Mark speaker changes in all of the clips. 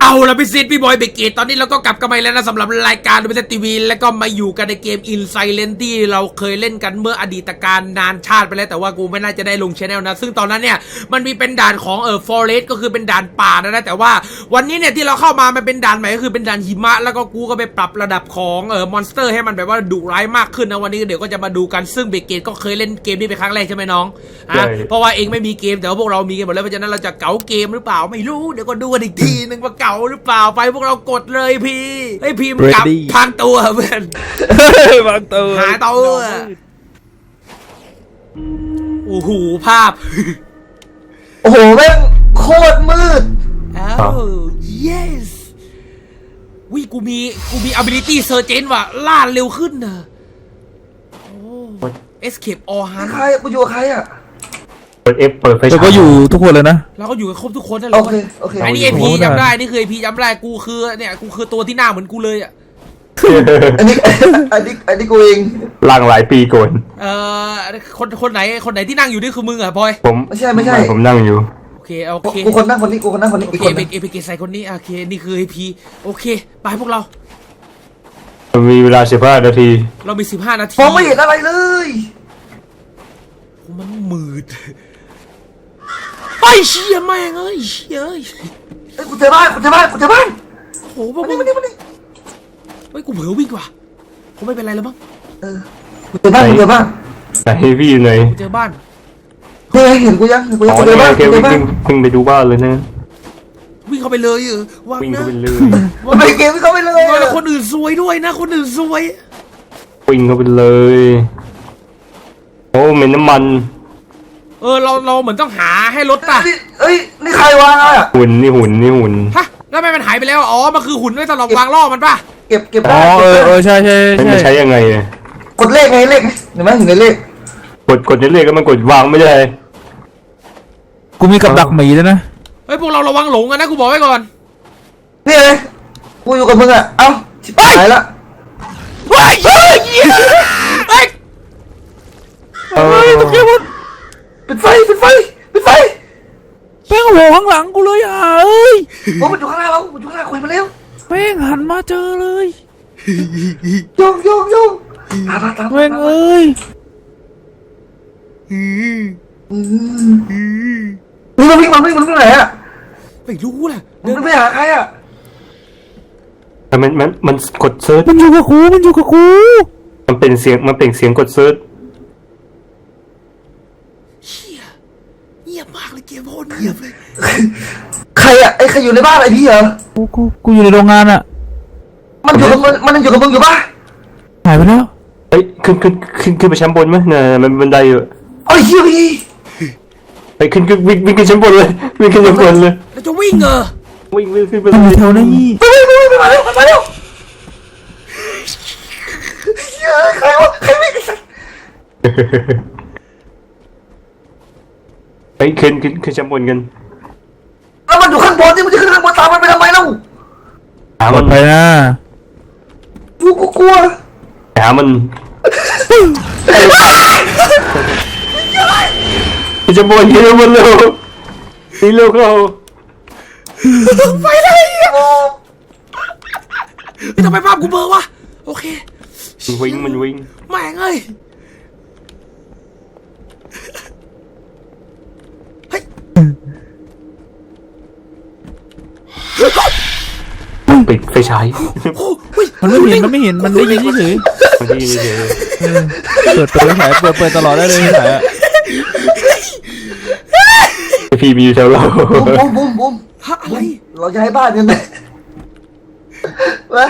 Speaker 1: เอาละพี่ซิดพี่บอยเบเกตตอนนี้เราก็กลับกันมาแล้วนะสำหรับรายการดูเป็นทีวีแล้วก็มาอยู่กันในเกม Insilent ที่เราเคยเล่นกันเมื่ออดีตการนานชาติไปแล้วแต่ว่ากูไม่น่าจะได้ลงชแนลนะซึ่งตอนนั้นเนี่ยมันมีเป็นด่านของForest ก็คือเป็นด่านป่านะแต่ว่าวันนี้เนี่ยที่เราเข้ามามันเป็นด่านใหม่ก็คือเป็นด่านหิมะแล้วก็กูก็ไปปรับระดับของมอนสเตอร์ให้มันแบบว่าดุร้ายมากขึ้นนะวันนี้เดี๋ยวก็จะมาดูกันซึ่งเบเกตก็เคยเล่นเกมนี้เป็นครั้งแรกใช่ไหมน้องเพราะว่าเองไม่มีเกมแต่ว่าพวกเรามีกันหมดแล้วเพราะฉะนั้นเราจะเก๋าเกมหรือเปล่าไม่รู้เดี๋ยวก็ดูกันอีกทีนึงว่าเก๋าหรือเปล่าไปพวกเรากดเลยพี่ไอ้พี่มันกลับพังตัวเพื่อน
Speaker 2: พังตัว
Speaker 1: หาตัวโอ้โหภาพ
Speaker 3: โอ้โหแม่งโคตรมืด
Speaker 1: อ้าว yes วิกูมี ability surgeon ว่ะล่าเร็วขึ้นนะโอ้ escape all
Speaker 3: นี่
Speaker 1: hunt
Speaker 3: ใครกูอยู่กับใครอ่ะ
Speaker 2: เปิด F เปิดไฟฉายก็อยู่ทุกคนเลยนะ
Speaker 1: เราก็อยู่กันครบทุกคนนั่นแหละ
Speaker 3: โอเค
Speaker 1: ไอ้นี่ไอพีจำได้นี่คือไอพีจำได้กูคือเนี่ยกูคือตัวที่หน้าเหมือนกูเลยอ่ะ
Speaker 3: อันนี้กูเอง
Speaker 2: หลังหลายปีก่อน
Speaker 1: คนไหนที่นั่งอยู่นี่คือมึงอ่ะพลอย
Speaker 2: ผม
Speaker 3: ไม่ใช่
Speaker 2: ผมนั่งอยู่
Speaker 1: โอเค
Speaker 3: กูคนนั่งคนนี้กูคนนั่งคนนี้
Speaker 1: โอเคเอพีใส่คนนี้โอเคนี่คือไอพีโอเคไปพวกเรา
Speaker 2: มีเวลา15 นาที
Speaker 1: เรามี15 นาที
Speaker 3: มองไม่เห็นอะไรเลย
Speaker 1: มันมืดไอ้เชี่ยแม่งเอ้ย
Speaker 3: ไอ้กูเจอบ้าน
Speaker 1: โอ้โหมาดิเฮ้ยกูเผลอวิ่งว่ะคงไม่เป็นไรแล้วมั้ง
Speaker 3: กูเจอบ้าน
Speaker 2: ไหนพี่อยู่ไหน
Speaker 1: เจอบ้าน
Speaker 3: เห็นกูยังเจอบ้าน
Speaker 2: วิ่งไปดูบ้านเลยนะ
Speaker 1: วิ่งเข้าไปเลย
Speaker 2: วิ่งเข้าไปเลย
Speaker 3: ไปเกมเข้าไปเลย
Speaker 1: แล้วคนอื่นซวยด้วยนะคนอื่นซวย
Speaker 2: วิ่งเข้าไปเลยโอ้เหม็นน้ำมัน
Speaker 1: เราเหมือนต้องหาให้รถป่ะ
Speaker 3: เอ้ยนี่ใครวางอ่ะ
Speaker 2: หุ่น
Speaker 1: ฮะแล้วทำไมมันหายไปแล้วอ๋อมันคือหุ่นไว้สำหรับวางล่อมันป่ะ
Speaker 3: เก็บ
Speaker 2: ได้ใช่ไม่ใช้ยังไง
Speaker 3: กดเลขไงเลขเห็นไหมเห็นเลข
Speaker 2: กดเลขก็มันกดวางไม่ได้กูมีกับดักหมีแล้วนะ
Speaker 1: เฮ้ยพวกเราระวังหลงกันนะกูบอกไว้ก่อน
Speaker 3: นี่เลยกูอยู่กับมึงอ่ะเอ้าชิบหายละ
Speaker 1: เฮ้ยตะเกียบ
Speaker 3: ปิดไฟ
Speaker 2: แป้งโหข้างหลังกูเลยเอ้ย
Speaker 3: มันอยู่ข้างหน้าเรามันอยู่ข้างหน้าคุยมาแล้ว
Speaker 2: แป้งหันมาเจอเลย
Speaker 3: โยงตาม
Speaker 2: แป้งเอ้ย
Speaker 3: มันวิ่งไปไหนอ่ะ
Speaker 1: ไม่รู้แหละ
Speaker 3: มันไปหาใครอ่ะ
Speaker 2: มันกดเซิร์ชมันอยู่กับกูมันเป็นเสียงกดเซิร์ช
Speaker 1: เงียบมากเลยเกมโคตรเงียบเลย
Speaker 3: ใครอ่ะใครอยู่ในบ้านไอพี่เหรอ
Speaker 2: กูอยู่ในโรงงานอ่ะ
Speaker 3: มันอยู่กับมึงอยู่ป่ะ
Speaker 2: หายไปแล้วเฮ้ยขึ้นไปชั้นบนไหมเนี่ยมันบันไดอยู่
Speaker 3: โอ้ยพี่
Speaker 2: ไปขึ้นวิ่งขึ้นชั้นบนเลยวิ่งขึ้นชั้นบนเลย
Speaker 1: แล้วจะวิ่ง
Speaker 2: วิ่งขึ้นไปเลยแถวนี้
Speaker 3: มาเร็วใครวิ่ง
Speaker 2: ไปขึ้นชั้นบนกัน
Speaker 3: แล้วมันอยู่ข้างบนนี่มันจะขึ้นข้างบนตามมันไปทำไมเล่า
Speaker 2: หามันไปนะ
Speaker 3: กูกลัว
Speaker 2: หามันจะบนเร็วเร็วเข้า
Speaker 1: ไปเลยทำไมภาพกูเบลอวะโอเค
Speaker 2: มันวิ่ง
Speaker 1: แม่งเอ้ย
Speaker 2: ปิดไฟฉายมันไม่เห็นมันได้ยินเฉยเปิดไฟฉายเปิดตลอดได้เลยไฟฉายพี่มีอยู่แถวเรา
Speaker 3: บุ้ม
Speaker 1: อะไร
Speaker 3: เราจะให้บ้านกันไหมวะ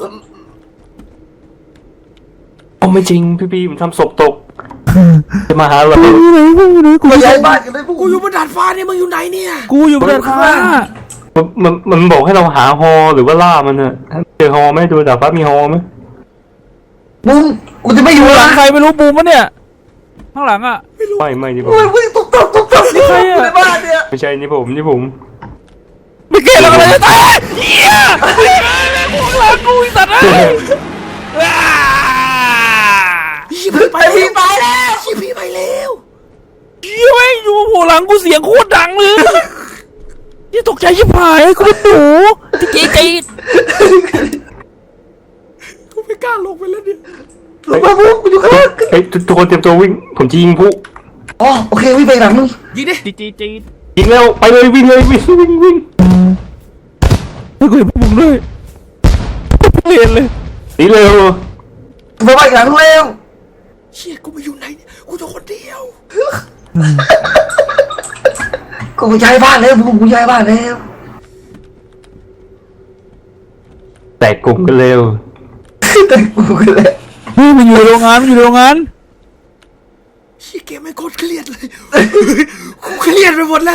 Speaker 2: โอ้ไม่จริงพี่มันทำศพตกจะมาหาเรา
Speaker 3: กูย้ายบ้านกันเลย
Speaker 1: กูอยู่บนดาดฟ้าเนี่ยมึงอยู่ไหนเนี่ย
Speaker 2: กูอยู่บนดาดฟ้ามันบอกให้เราหาฮอหรือว่าล่ามันอะเจอฮอไหมดูดาดฟ้ามีฮอไหม
Speaker 3: บุ้มกูจะไม่อยู่
Speaker 2: หลังใครไม่รู้บูมวะเนี่ยข้างหลังอะไม่ดิผม
Speaker 3: วิ่งตุ๊บนี่ใครอะในบ้านเนี่ย
Speaker 2: ไม่ใช่นี่ผม
Speaker 1: ไม่เกี่ยวอะไรตายเหี้ยพวกเรากูสัตว์พี่ไปแล้วพี่ไม่อยู่หัวหลังกูเสียงโคตรดังเลย
Speaker 4: นี่ตกใจชิบหายกูเป็นหนูจีจี
Speaker 1: กูไม่กล้าลงไปแล้วเนี่ย
Speaker 3: ลงมาปุ๊บกูอยู่ข้างล่าง
Speaker 2: เฮ้ยทุกคนเตรียมตัววิ่งผมจะยิงผู้
Speaker 3: อ๋อโอเควิ่งไปหลังมึง
Speaker 1: ยิงดิ
Speaker 4: จีจี
Speaker 2: ยิงแล้วไปเลยวิ่งเลยวิ่ง
Speaker 4: ไม่กูเห็นพวกมึงด้วยเรียนเลย
Speaker 2: หนีเร็ว
Speaker 3: ไปไปหลังมึงแล้ว
Speaker 1: เชี่ยกูมาอยู่ไหนเนี่ยกูจะคนเดียว
Speaker 3: กูย้ายบ้านแล้วกูย้ายบ้านแล้ว
Speaker 2: แตกกลุ่มกันเร็ว
Speaker 3: แต่กูก็เลย
Speaker 4: เฮ้ยมันอยู่ในโรงงานมันอยู่ในโรงงาน
Speaker 1: เชี่ยเกมไม่งโคตรเครียดเลยกูเครียดไปหมดแล้ว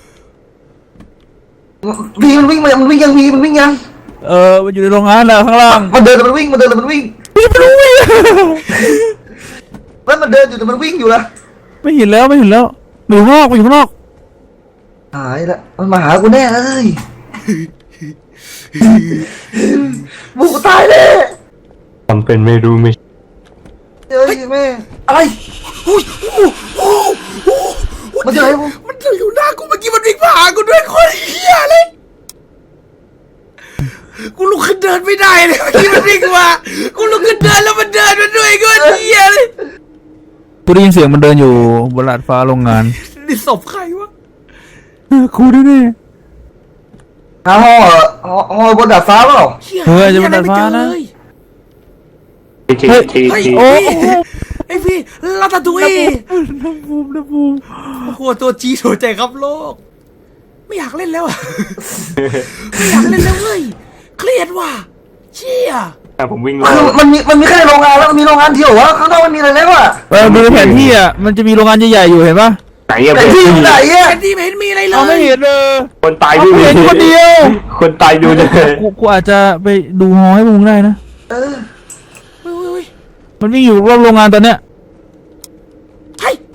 Speaker 3: พี่มันวิ่งมันวิ่งยังพี่มันวิ่งยัง
Speaker 4: มันอยู่ในโรงงานแล้วข้างล่าง
Speaker 3: มันเดินมันวิ่งมันเดินมันวิ่ง
Speaker 4: ไม่รู้วิ่ง
Speaker 3: แล้วมันเดินอยู่แต่มันวิ่งอยู่นะ
Speaker 4: ไม่เห็นแล้วมันอยู่ข้างนอกมันอยู่ข้างนอก
Speaker 3: หายละมันมาหากูแน่เลยบุกตายเลย
Speaker 2: ทำเป็นไม่รู้ไม่
Speaker 3: เฮ้ยแม่อะไร
Speaker 1: อุ้ยโอ้โห
Speaker 3: มันจะอะไรบุ
Speaker 1: มันอยู่หน้ากูเมื่อกี้มันวิ่งผ่านกูด้วยโคตรเหี้ยเลยกูลุกขึ้นเดินไม่ได้เลยเมื่อกี้มันวิ่งมากูลุกขึ้นเดินแล้วมันเดินมาด้วยโคตรเหี้ยเลย
Speaker 4: กูได้ยินเสียงมันเดินอยู่บนลาดฟ้าโรงงาน
Speaker 1: นี่ศพใครวะ
Speaker 4: กูด้วยนี่
Speaker 3: หาห่อบนดาดฟ้าเปล่า
Speaker 1: หี้
Speaker 4: เฮ้ยจะ
Speaker 1: ห
Speaker 4: มาดัดฟ้านะ
Speaker 1: ไม่เจอเลย
Speaker 2: ที
Speaker 1: เฮ้ย
Speaker 4: โอ้
Speaker 1: ไอพี่ลาตาตุย
Speaker 4: น้ำบูม
Speaker 1: โอ้โหตัวจีหัวใจครับโลก ไม่อยากเล่นแล้วอะไม่อยากเล่นแล้วเว้ยเครียดว่ะเชี่ย
Speaker 2: ผมวิ่ง
Speaker 3: คือมันมีแค่โรงงานแล้วมันมีโรงงานเดียววะข้างนอกมันมีอะไรแล้วอะ
Speaker 4: ดูในแผนที่อ่ะมันจะมีโรงงานใหญ่ๆอยู่เห็นปะ
Speaker 2: ไหนอะ
Speaker 3: แต่ที่อยู่ไหนอะ
Speaker 1: แอนดี้ไม่เห็นมีอะไรเล
Speaker 4: เราไม่
Speaker 1: ย
Speaker 4: เห็นเลย
Speaker 2: คนตายดู
Speaker 4: เห็นคนเดียว
Speaker 2: คนตายดูเลย
Speaker 4: กูอาจจะไปดูฮอให้มึงได้นะ
Speaker 3: เออ
Speaker 1: เฮ้ย
Speaker 4: มันวิ่งอยู่รอบโรงงานตอนเนี้ย
Speaker 1: เฮ้ย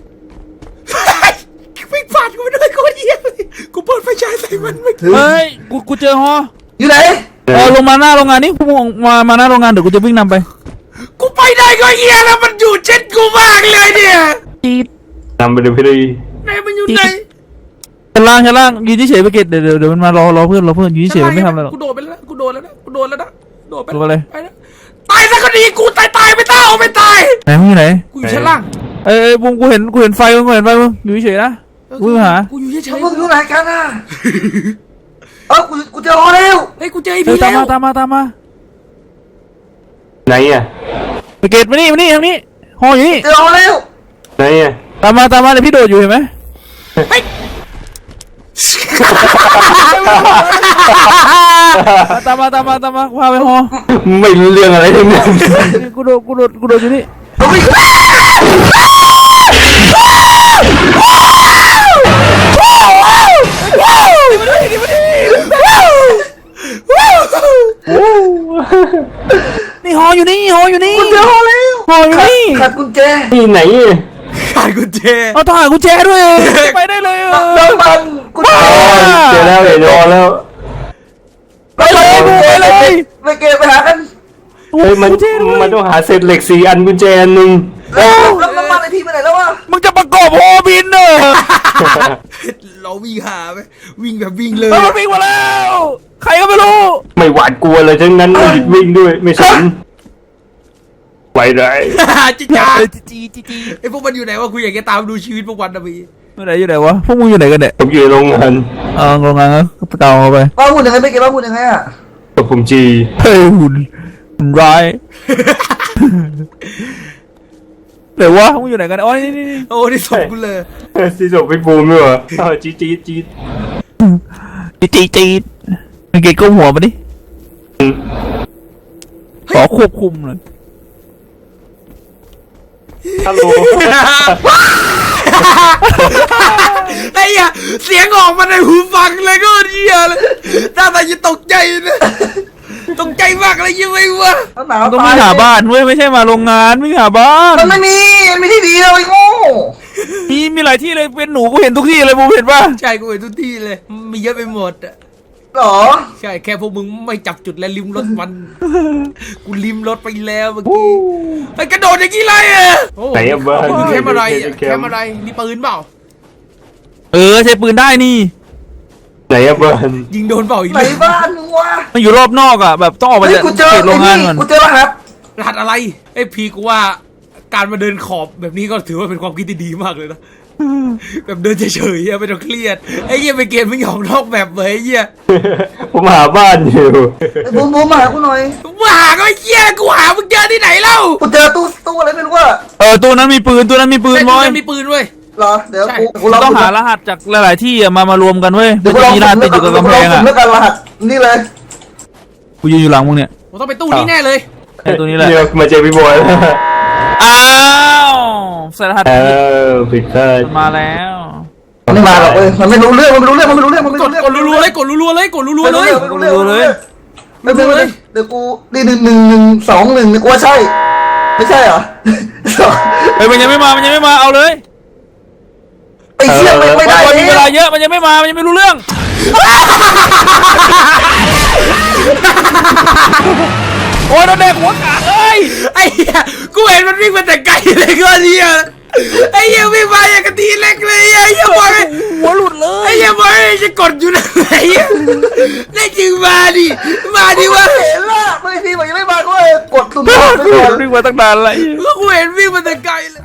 Speaker 1: วิ่งผ่านกูไปด้วยกูเหี้ยเลยกูเปิดไฟฉายใส่มันไม่
Speaker 4: เฮ้ยกูเจอฮอ
Speaker 3: อยู่ไหน
Speaker 4: ลงมาหน้าโรงงานนี่พวกมึงมาหน้าโรงงานเดี๋ยวกูจะวิ่งนำไป
Speaker 1: กูไปได้ก็เหี้ยแล้วมันอยู่เช็ดกูมากเลยเนี่ย
Speaker 4: จีด
Speaker 2: นำไปดูพี่ดี
Speaker 1: ไหนมันอยู่ไหน
Speaker 4: ชั้นล่างยืนเฉยๆไปเกตเดี๋ยวมันมารอเพื่อนยืนเฉยๆไม่ทำอะไรหรอก
Speaker 1: กูโดดไปแล้วกูโดดแล้วนะโดดไป
Speaker 4: โดดไปเลย
Speaker 1: ไปแล้วตายซะก็ดีกูตายไม่ตายเอาไม่ตาย
Speaker 4: ไหนมึงอยู่ไหน
Speaker 1: กูอยู่ชั้นล่าง
Speaker 4: บุ้งกูเห็นไฟมึงอยู่เฉยๆนะกูหา
Speaker 1: กูอยู่เฉย
Speaker 3: มึงอยู่ไหนกันอะเออกูเจอห่อแล้ว
Speaker 1: ๆเฮ้ยกูเจอไอ้พี่
Speaker 4: ตาม
Speaker 1: แล้ว
Speaker 4: มา
Speaker 2: ไหนอะ
Speaker 4: ไปเกตมานี่ทางนี้ฮออยู่นี่
Speaker 3: เจอห่อแล้ว
Speaker 2: ไหนอะ
Speaker 4: ตามมาเดี๋ยวพี่โดดอยู่เห็นไหม
Speaker 1: เฮ้ย
Speaker 4: ตามมาพาไปฮอ
Speaker 2: ไม่รู้เรื่องอะไรทั้งนั้น
Speaker 4: กูโดดอยู่นี่ นี่ฮออยู่นี่
Speaker 3: กูเจอห่อแล้ว
Speaker 4: ฮออยู่นี่
Speaker 3: ขัดกุญแจ
Speaker 2: ที่ไหนอะ
Speaker 1: ขาดกุญแจ
Speaker 4: เอาถ่ายกุญแจด้วยไปได้เลย
Speaker 3: น้ำมันกุญแจ
Speaker 2: เจอแล้วเดี๋ยวนอนแล้ว
Speaker 4: ไปเลย
Speaker 3: ไปเก็บไปหากัน
Speaker 2: เฮ้ยมันต้องหาเศษเหล็ก4 อันกุญแจอันหนึ่ง
Speaker 3: แล้วน้ำมันไอพี่ไปไหนแล้ววะ
Speaker 4: มึงจะประกอบฮอบินเนอะ
Speaker 1: เราวิ่งหาไหมวิ่งแบบวิ่งเลย
Speaker 4: มันวิ่งมาแล้ว ใครก็ไม่รู้
Speaker 2: ไม่หวาดกลัวเลยทั้งนั้นวิ่งด้วยไม่สนไหวไร
Speaker 1: จิจ้า
Speaker 4: จี
Speaker 1: ไอพวกมันอยู่ไหนวะกูอยากจะตามดูชีวิตพวกมันนะพี่
Speaker 4: อยู่ไหนวะพวกมึงอยู่ไหนกันเนี่ย
Speaker 2: ผมอยู่ในโรงงาน
Speaker 4: โรงงานก็เตาเอาไป
Speaker 3: บ้าหุ่นยังไงไม่เก็บบ้าหุ่นยังไงอะ
Speaker 2: กับผมจี
Speaker 4: เฮ้ยหุ่นร้ายเดี๋ยววะมึงอยู่ไหนกันอ๋อนี่
Speaker 1: โอ้นี่ส่งกูเลย
Speaker 2: ที่ส่งไปปูมด้วยวะจี๊ด
Speaker 4: จีมึงเกยก้มหัวมาดิขอควบคุมหน่อย
Speaker 2: ฮัลโหล
Speaker 1: ไอ้เหี้ยเสียงออกมาในหูฟังเลยก็เหี้ยเลยน่าตาจะตกใจนะตกใจมากเลยยังไงวะ
Speaker 3: หนาว
Speaker 4: ต้องไม่หาบ้านเว้ยไม่ใช่มาโรงงานไม่หาบ้าน
Speaker 3: มันไม่มีที่ดีเลยโง่
Speaker 4: มีหลายที่เลยเป็นหนูกูเห็นทุกที่เลยมึงเห็นป่ะ
Speaker 1: ใช่กูเห็นทุกที่เลยมีเยอะไปหมดอะ
Speaker 3: หรอ
Speaker 1: ใช่แค่พวกมึงไม่จับจุดและลิมรถมัน กูลิมรถไปแล้วเมื่อกี้ไอ้กระโดดอย่างนี้เลยอะโอ้
Speaker 2: ไหนอะบ้าน
Speaker 1: มึงแคมอะไรอะแคมอะไรมีปืนเปล่า
Speaker 4: ใช้ปืนได้นี่
Speaker 2: ไหนอะเบิร์น
Speaker 1: ยิงโดนเปล่าอีก
Speaker 3: ไหน
Speaker 1: เลย
Speaker 3: บ้านมึงวะ
Speaker 4: มันอยู่รอบนอกอ่ะแบบต้องออกไป
Speaker 3: เฮ้ย
Speaker 4: จาก
Speaker 3: กูเจอ
Speaker 4: เขตโรงงานก่อน
Speaker 3: กูเจอรหัส
Speaker 1: รหัสอะไรไอ้พีกูว่าการมาเดินขอบแบบนี้ก็ถือว่าเป็นความคิดที่ดีมากเลยนะแบบเดินเฉยๆไม่ต้องเครียดไอ้เหี้ยไปเกมไม่หยอกนอกแบบเลยไอ้เหี้ย
Speaker 2: ผมหาบ้านอยู่
Speaker 3: ไอ้บูมมาหากูหน่อย
Speaker 1: มึงหาก็ไอ้เหี้ยกูหามึงเจอที่ไหนเล่า
Speaker 3: กูเจอตู้อะไรไม่รู้ว่า
Speaker 4: ตัวนั้นมีปืนบอย
Speaker 1: ไอ้มีปืนเว้ย
Speaker 3: เหรอเดี๋ยว
Speaker 1: ใช่
Speaker 3: กูลอง
Speaker 4: ต้องหารหัสจากหลายๆที่อะมารวมกันเว้ย
Speaker 3: เดี๋
Speaker 4: มั
Speaker 3: ยวน กูล
Speaker 4: จะ
Speaker 3: อง
Speaker 4: มีรหัสติดอยู่กับกำแพงอ่ะ
Speaker 3: เลือกการรหัสนี่เลย
Speaker 4: กูยืนอยู่หลังมึงเนี่ย
Speaker 1: ผมต้องไปตู้นี้แน่เลย
Speaker 4: ไอ้ตัวนี้แหละ
Speaker 2: เนี่ยมาเจอพี่บอยแล้ว
Speaker 4: อ้าวใส่รหัส
Speaker 2: ผิดพลาด
Speaker 4: มันมาแล้ว
Speaker 3: มันไม่มาหรอกเว้ยมันไม่รู้เรื่องมันไม่รู้เรื่องมันไม่รู้เรื่องมันไม่
Speaker 1: ก
Speaker 3: รู้
Speaker 1: ด
Speaker 3: เรื่อง
Speaker 1: กดรัวๆเลยกดรัวๆเลยกดรัวๆเลย
Speaker 3: ไม่รู้เรื่องไม่รู้เรื่องเดี๋ยวกูนี่11121นี่กูว่าใช่ไม่ใช่เหรอ
Speaker 4: เฮ้ยมันยังไม่มาเอาเลย
Speaker 3: ไอ้เชี่ยไม่ได้
Speaker 4: มัน
Speaker 3: เล
Speaker 4: มีเวย ลาเยอะมันยังไม่มามันยังไม่รู้เรื่องโอ้ยโดนเด็กหัวขาดเอ้ย
Speaker 1: ไอ้เหี้ยกูเห็นมันวิ่งมาแต่ไกลเลยก็เหี้ยไอ้เหี้ยวิ่งมาอย่างกะทีเล็กเลยไอ้เหี้ยบอย
Speaker 4: หัวหลุดเล
Speaker 1: ไอ้
Speaker 4: ย
Speaker 1: เหี้ยบอยจะกดอยู่นะไอ้เหี้ยได้จริงมาดิวะ
Speaker 3: เห็นละไม่ทีมันยังไม่มาก็เลยกดสุ่มก่อนไปก่อน
Speaker 4: วิ่งมาตั้งนานเลย
Speaker 1: ก็กูเห็นวิ่งมาแต่ไกลเลย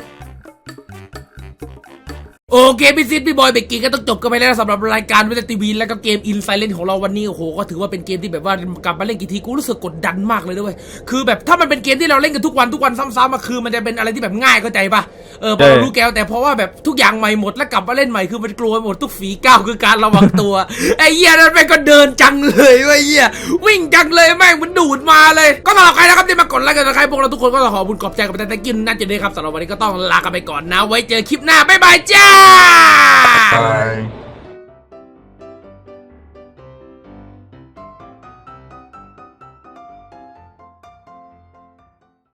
Speaker 1: โอเคพี่ซิดพี่บอยเบกกี้ก็ต้องจบกันไปแล้วสำหรับรายการวิทยทีวีแล้วก็เกมอินไซเลนของเราวันนี้โอ้โหก็ถือว่าเป็นเกมที่แบบว่ากลับมาเล่นกี่ทีกูรู้สึกกดดันมากเลยด้วยคือแบบถ้ามันเป็นเกมที่เราเล่นกันทุกวันซ้ำๆมาคือมันจะเป็นอะไรที่แบบง่ายเข้าใจปะพอเรารู้แก้วแต่เพราะว่าแบบทุกอย่างใหม่หมดแล้วกลับมาเล่นใหม่คือมันกลัวหมดทุกฝีก้าวคือการระวังตัวไอ้เหี้ยนั่นแม่งก็เดินจังเลยไอ้เหี้ยวิ่งจังเลยแม่งมันดูดมาเลยก็สำหรับใครนะครับที่มากดไลค์กันนะใครพวกเราทุกคนก็ขอบุญขอบใจกับแต่กินนั่นจะได้ครับสำหรับวันนี้ก็ต้องลากันไปก่อนนะไว้เจอคลิปหน้าบ๊ายบายจ้า
Speaker 3: Bye.